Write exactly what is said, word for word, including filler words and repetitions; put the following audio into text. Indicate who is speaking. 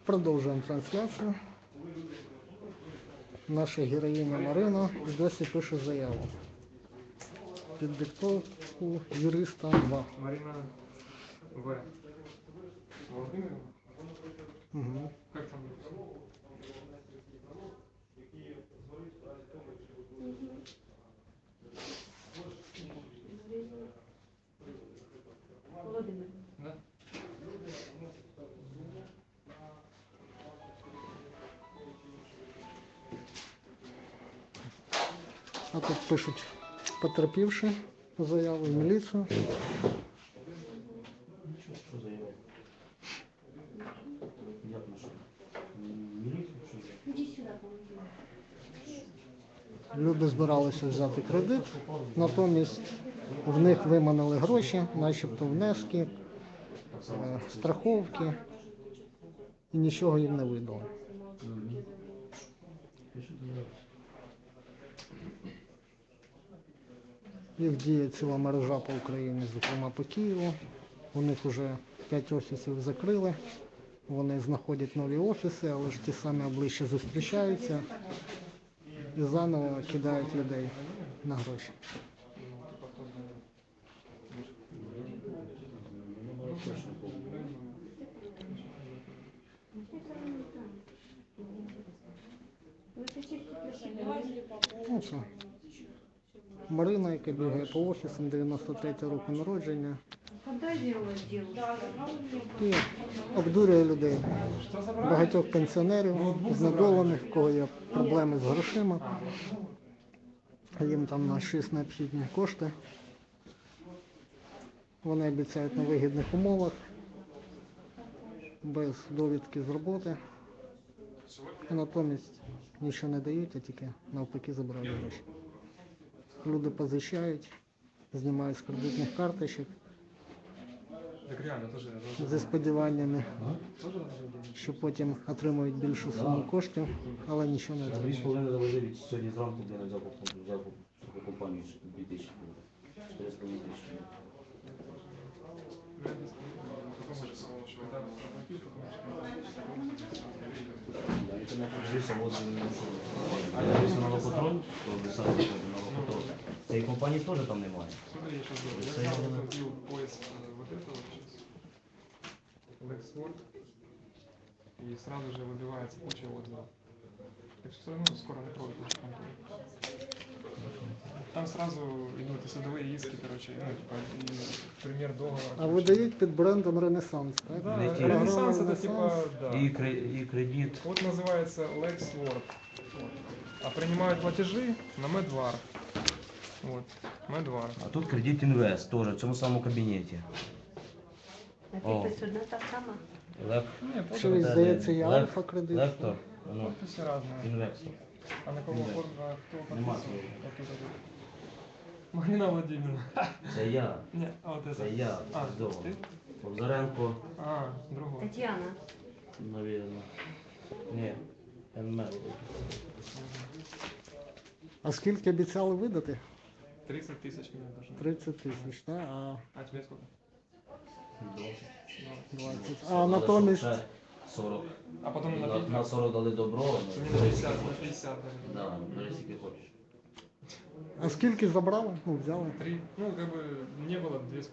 Speaker 1: Продовжуємо трансляцію. Наша героїня Марина досі пише заяву. Під диктовку юриста два.
Speaker 2: Марина В. Владимировна?
Speaker 1: Угу.
Speaker 2: Как там?
Speaker 3: Владимир.
Speaker 2: Да?
Speaker 1: А тут пишуть потерпівши заяву в міліцію.
Speaker 4: Що заявив? Як на що? Міліцію що заявив?
Speaker 3: Иди сюда,
Speaker 1: Люди збиралися взяти кредит, натомість в них виманили гроші, начебто внески, е, страховки, і нічого їм не видали. Їх діє ціла мережа по Україні, зокрема по Києву. У них вже п'ять офісів закрили, вони знаходять нові офіси, але ж ті самі обличчя зустрічаються і заново кидають людей на гроші. Ну, це Марина, яка бігає по офісам, дев'яносто третього року народження,
Speaker 3: Когда делалась девушка?
Speaker 1: і обдурює людей. Багатьох пенсіонерів, знедолених, в кого є проблеми з грошима. Їм там на щось необхідні кошти. Вони обіцяють на вигідних умовах, без довідки з роботи. А натомість нічого не дають, а тільки навпаки забирають гроші. Люди позичають, знімають з кредитних карточок
Speaker 2: Так реально, тоже. тоже-
Speaker 1: зі сподіваннями,
Speaker 2: Тоже надо делать.
Speaker 1: що потім отримують більшу суму коштів, але нічого не
Speaker 4: Дві з
Speaker 1: отримують.
Speaker 4: половиною завозили сьогодні зранку, де не взяв взяв таку компанію дві тисячі. чотири з половиною тисячі.
Speaker 2: Потом уже самого человека заплатил, потом
Speaker 4: Да, і це не подивився, от він не йшов. А я дивився на Новопатрон, то писав на Новопатрон. Цієї компанії теж там немає.
Speaker 2: Смотри, я сейчас делаю. Я
Speaker 4: Стоял
Speaker 2: сразу
Speaker 4: на-
Speaker 2: вбил поиск э, вот этого сейчас. Lexword. И сразу же выбивается куча отзывов. Так что ну, скоро накроют нашу контору. Там сразу идут и судовые иски, короче, ну, типа, и пример договора.
Speaker 1: А видають під брендом Ренесанс, так?
Speaker 2: Да,
Speaker 4: Найти.
Speaker 2: Ренессанс это
Speaker 1: Ренессанс.
Speaker 2: типа, да.
Speaker 4: І, кре- і кредит.
Speaker 2: Вот называется Lexword. Вот. А принимают платежи на Medvar. Вот, Medvar.
Speaker 4: А тут кредит інвест теж в цьому самому кабінеті.
Speaker 3: А
Speaker 4: О.
Speaker 3: підпис одна та сама?
Speaker 4: Лек...
Speaker 2: Нет,
Speaker 1: Що
Speaker 2: вот
Speaker 1: і здається, є
Speaker 4: Лек-
Speaker 1: Альфа кредит.
Speaker 4: Лектор, воно,
Speaker 2: подписи разные.
Speaker 4: інвестор.
Speaker 2: А на кого
Speaker 4: Инвест.
Speaker 2: оформлено, кто
Speaker 4: Нема
Speaker 2: подписывал?
Speaker 4: своего.
Speaker 2: Вот тут вот. Марина Владимировна.
Speaker 4: Це я,
Speaker 2: Не, а вот это.
Speaker 4: це я,
Speaker 2: А,
Speaker 4: здорово.
Speaker 2: ты?
Speaker 4: Богдаренко,
Speaker 2: А, другой.
Speaker 3: Тетяна.
Speaker 4: навірно. Ні, ен ем ел.
Speaker 1: А скільки обіцяли видати?
Speaker 2: тридцать тысяч мне должны.
Speaker 1: тридцять тисяч, так? А
Speaker 2: А тебе сколько?
Speaker 4: двадцять.
Speaker 1: двадцять. А
Speaker 4: Але
Speaker 1: натомість
Speaker 4: щоб ще сорок.
Speaker 2: А потом на,
Speaker 4: На,
Speaker 2: пи-
Speaker 4: на сорок дали добро,
Speaker 2: Мне
Speaker 4: ну,
Speaker 2: на
Speaker 4: бери
Speaker 2: пятьдесят,
Speaker 4: скільки
Speaker 2: на
Speaker 4: хочеш.
Speaker 2: пятьдесят дали.
Speaker 4: Да, бери скільки хочеш.
Speaker 1: А скільки забрали? Ну, взяли.
Speaker 2: Три. Ну, как бы не было две с